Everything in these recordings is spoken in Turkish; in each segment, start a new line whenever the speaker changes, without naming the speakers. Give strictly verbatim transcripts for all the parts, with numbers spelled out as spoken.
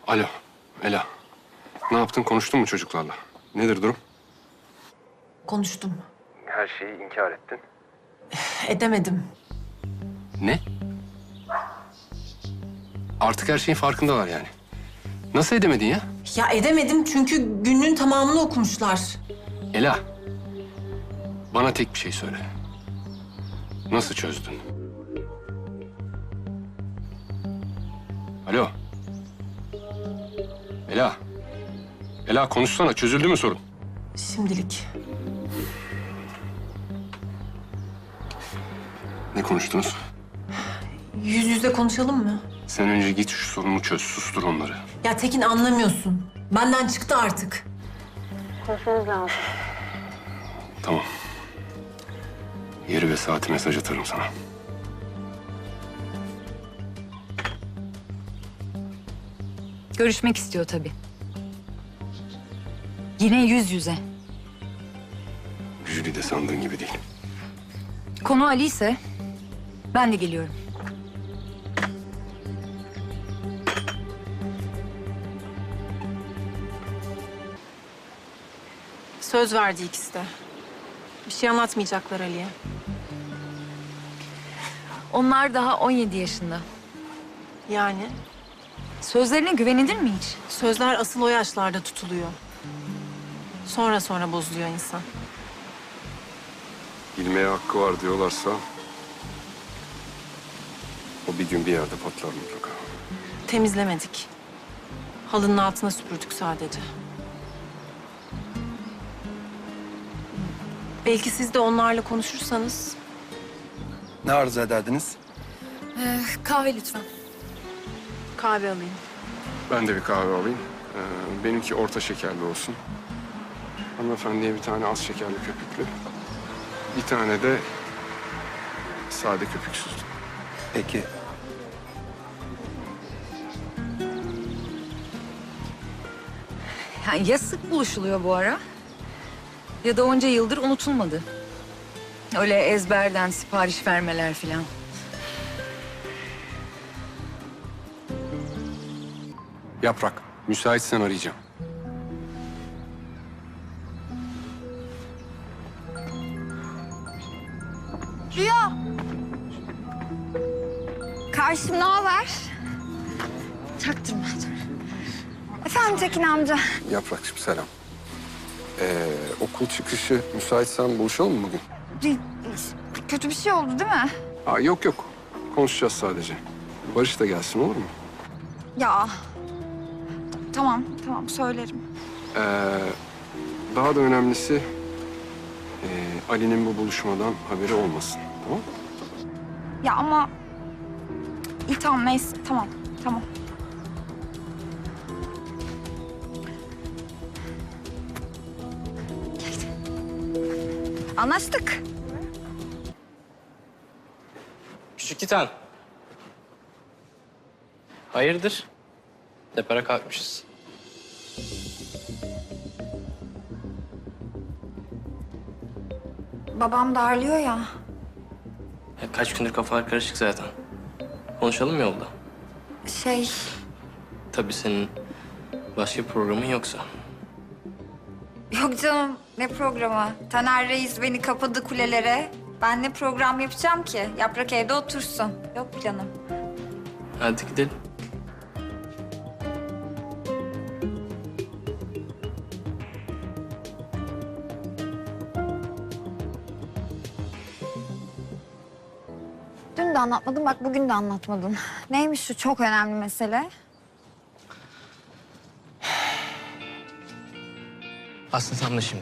Alo, Ela. Ne yaptın? Konuştun mu çocuklarla? Nedir durum?
Konuştum.
Her şeyi inkar ettin.
Edemedim.
Ne? Artık her şeyin farkındalar yani. Nasıl edemedin ya?
Ya edemedim çünkü günün tamamını okumuşlar.
Ela, bana tek bir şey söyle. Nasıl çözdün? Alo. Ela. Ela konuşsana. Çözüldü mü sorun?
Şimdilik.
Ne konuştunuz?
Yüz yüze konuşalım mı?
Sen önce git şu sorunu çöz. Sustur onları.
Ya Tekin anlamıyorsun. Benden çıktı artık. Konuşmamız lazım.
Tamam. Yeri ve saati mesaj atarım sana.
Görüşmek istiyor tabii. Yine yüz yüze.
Jüri de sandığın gibi değil.
Konu Ali ise ben de geliyorum.
Söz verdi ikisi de. Bir şey anlatmayacaklar Ali'ye.
Onlar daha on yedi yaşında.
Yani
Sözlerine güvenilir mi hiç?
sözler asıl o yaşlarda tutuluyor. Sonra sonra bozuluyor insan.
Bilmeye hakkı var diyorlarsa... o bir gün bir yerde patlar mutlaka.
Temizlemedik. Halının altına süpürdük sadece. Belki siz de onlarla konuşursanız...
Ne arzu ederdiniz?
Ee, kahve lütfen.
Kahve alayım.
Ben de bir kahve alayım. Ee, benimki orta şekerli olsun. Hanımefendiye bir tane az şekerli köpüklü. Bir tane de sade köpüksüz.
Peki.
Yani ya sık buluşuluyor bu ara ya da onca yıldır unutulmadı. Öyle ezberden sipariş vermeler filan.
Yaprak, müsaitsen arayacağım.
Rüya. Karşım ne haber? Çaktırma. Efendim Tekin amca.
Yaprakçığım selam. Ee, okul çıkışı müsaitsen buluşalım mı bugün?
Bir- Kötü bir şey oldu değil mi?
Aa, yok yok. Konuşacağız sadece. Barış da gelsin olur mu?
Ya. T- Tamam, tamam söylerim.
Ee, daha da önemlisi... ee, Ali'nin bu buluşmadan haberi olmasın. Tamam mı?
Ya ama... İyi tamam neyse tamam, tamam. Anlaştık.
Küçük Titan. Hayırdır? Depara kalkmışız.
Babam darlıyor ya.
Ya kaç gündür kafalar karışık zaten. Konuşalım mı yolda?
Şey...
Tabii senin başka bir programın yoksa.
Yok canım, ne programı? Taner Reis beni kapadı kulelere. Ben ne program yapacağım ki? Yaprak evde otursun. Yok planım.
Hadi gidelim.
Dün de anlatmadım, bak bugün de anlatmadın. Neymiş şu çok önemli mesele?
Aslında tam da şimdi.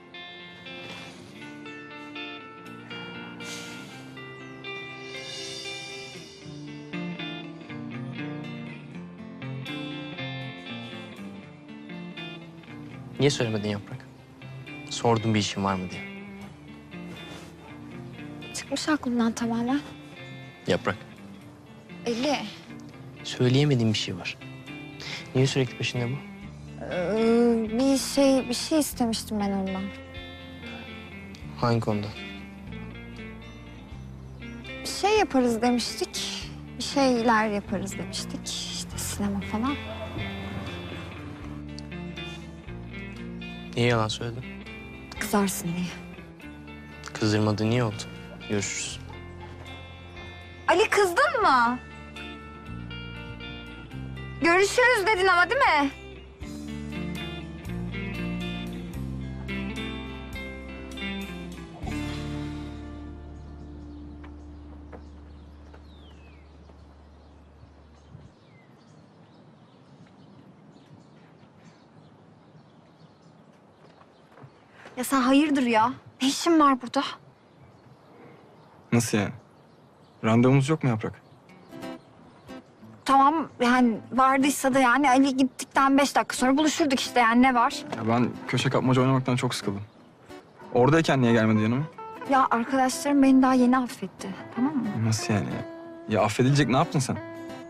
Niye söylemedin Yaprak? Sordum bir işin var mı diye.
Çıkmış aklımdan tamamen.
Yaprak,
Eli,
söyleyemediğim bir şey var. Niye sürekli peşinde bu?
ee, bir şey bir şey istemiştim ben ondan.
Hangi konuda?
Bir şey yaparız demiştik. Bir şeyler yaparız demiştik. İşte sinema falan.
Niye yalan söyledin?
Kızarsın diye.
Kızdırmadığın iyi oldu. Görüşürüz.
Ali kızdın mı? Görüşürüz dedin ama değil mi? Ya sen hayırdır ya? Ne işin var burada?
Nasıl yani? Randevumuz yok mu Yaprak?
Tamam yani vardıysa da yani Ali gittikten beş dakika sonra buluşurduk işte yani ne var?
Ya ben köşe kapmaca oynamaktan çok sıkıldım. Oradayken niye gelmedi yanıma?
Ya arkadaşlarım beni daha yeni affetti tamam mı?
Nasıl yani ya? Ya affedilecek ne yaptın sen?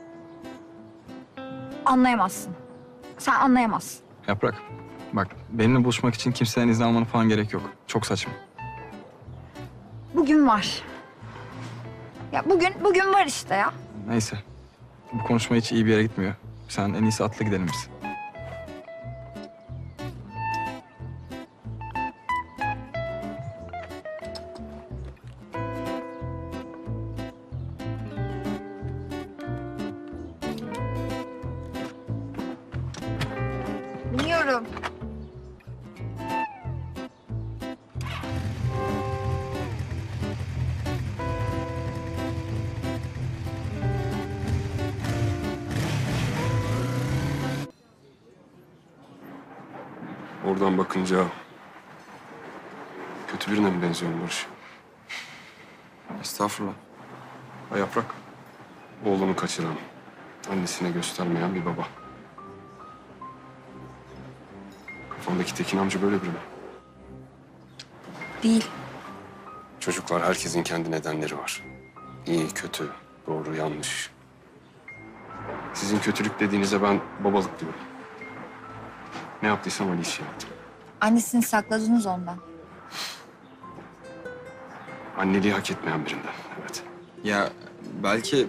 Anlayamazsın. Sen anlayamazsın.
Yaprak, bak benimle buluşmak için kimseden izin almanı falan gerek yok. Çok saçma.
Bugün var. Ya bugün, bugün var işte ya.
Neyse. Bu konuşma hiç iyi bir yere gitmiyor. Sen en iyisi atla gidelim biz.
Biliyorum.
Oradan bakınca kötü birine mi benziyorum Barış?
Estağfurullah.
Ha Yaprak, oğlunu kaçıran, annesine göstermeyen bir baba. Kafamdaki Tekin amca böyle biri mi?
Değil.
Çocuklar, herkesin kendi nedenleri var. İyi, kötü, doğru, yanlış. Sizin kötülük dediğinize ben babalık diyorum. Ne yaptıysam Ali için yaptım.
Annesini sakladınız ondan.
Anneliği hak etmeyen birinden, evet.
Ya belki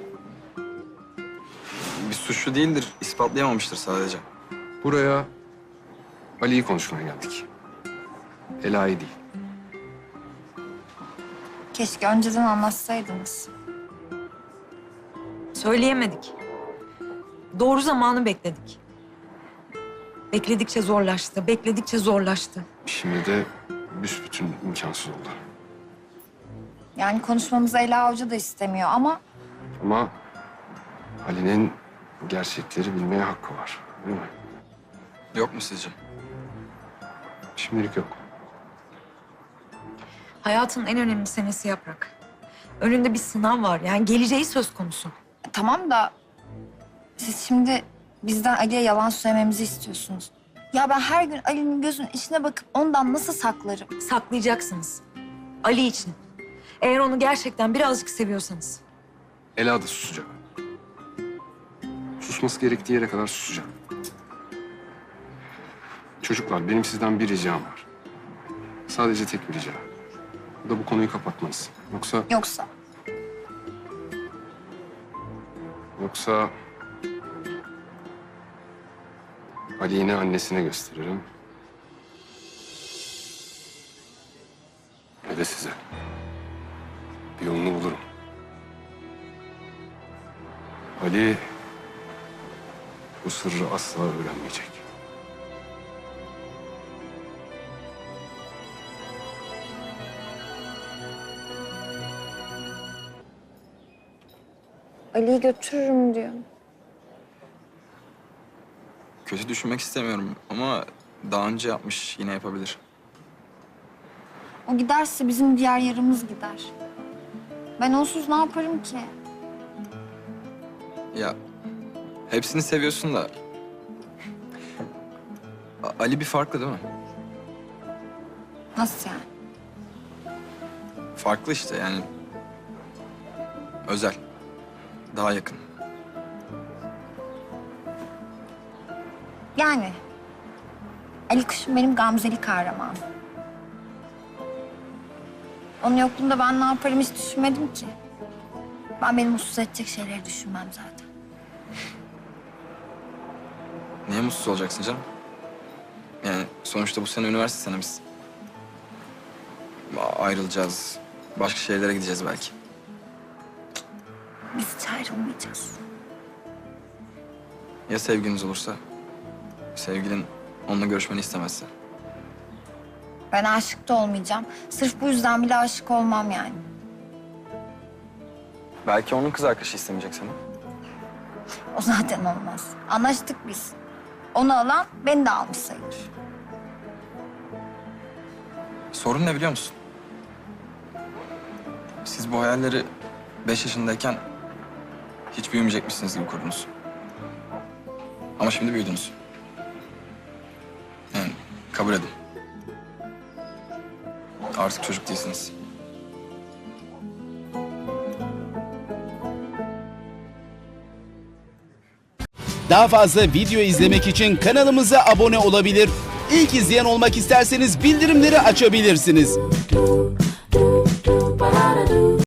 bir suçlu değildir, ispatlayamamıştır sadece.
Buraya Ali'yi konuşmaya geldik. Ela'yı değil.
Keşke önceden anlatsaydınız.
Söyleyemedik. Doğru zamanı bekledik. Bekledikçe zorlaştı, bekledikçe zorlaştı.
Şimdi de büsbütün imkansız oldu.
Yani konuşmamızı Ela Hoca da istemiyor ama
Ama Ali'nin gerçekleri bilmeye hakkı var, değil mi?
Yok mu sizce?
Şimdilik yok.
Hayatın en önemli senesi Yaprak. Önünde bir sınav var. Yani geleceği söz konusu.
tamam da siz şimdi bizden Ali'ye yalan söylememizi istiyorsunuz. Ya ben her gün Ali'nin gözünün içine bakıp ondan nasıl saklarım?
Saklayacaksınız. Ali için. Eğer onu gerçekten birazcık seviyorsanız.
Ela da susacak. Susması gerektiği yere kadar susacak. Çocuklar, benim sizden bir ricam var. Sadece tek bir rica. Bu da bu konuyu kapatmanız. Yoksa,
Yoksa
yoksa... Ali'yi yine annesine gösteririm. Ve de size. Bir yolunu bulurum. Ali bu sırrı asla öğrenmeyecek.
Ali'yi götürürüm diyor.
Kötü düşünmek istemiyorum ama daha önce yapmış, yine yapabilir.
O giderse bizim diğer yarımız gider. Ben onsuz ne yaparım ki?
Ya hepsini seviyorsun da... A- Ali bir farklı değil mi?
Nasıl yani?
Farklı işte yani. Özel. Daha yakın.
Yani Ali Kuş'um benim gamzeli kahramanım. Onun yokluğunda ben ne yaparım hiç düşünmedim ki. Ben beni mutsuz edecek şeyleri düşünmem zaten.
Niye mutsuz olacaksın canım? Yani Sonuçta bu sene üniversite senemiz. A- Ayrılacağız. Başka şehirlere gideceğiz belki.
Biz hiç ayrılmayacağız.
Ya sevgiliniz olursa? Sevgilin onunla görüşmeni istemezse?
Ben aşık da olmayacağım. Sırf bu yüzden bile aşık olmam yani.
Belki onun kız arkadaşı istemeyecek seni.
O zaten olmaz. Anlaştık biz. Onu alan beni de almış sayılır.
Sorun ne biliyor musun? Siz bu hayalleri beş yaşındayken hiç büyümeyecekmişsiniz gibi kurdunuz. Ama şimdi büyüdünüz. Yani kabul edin. Artık çocuk değilsiniz.
Daha fazla video izlemek için kanalımıza abone olabilir. İlk izleyen olmak isterseniz bildirimleri açabilirsiniz.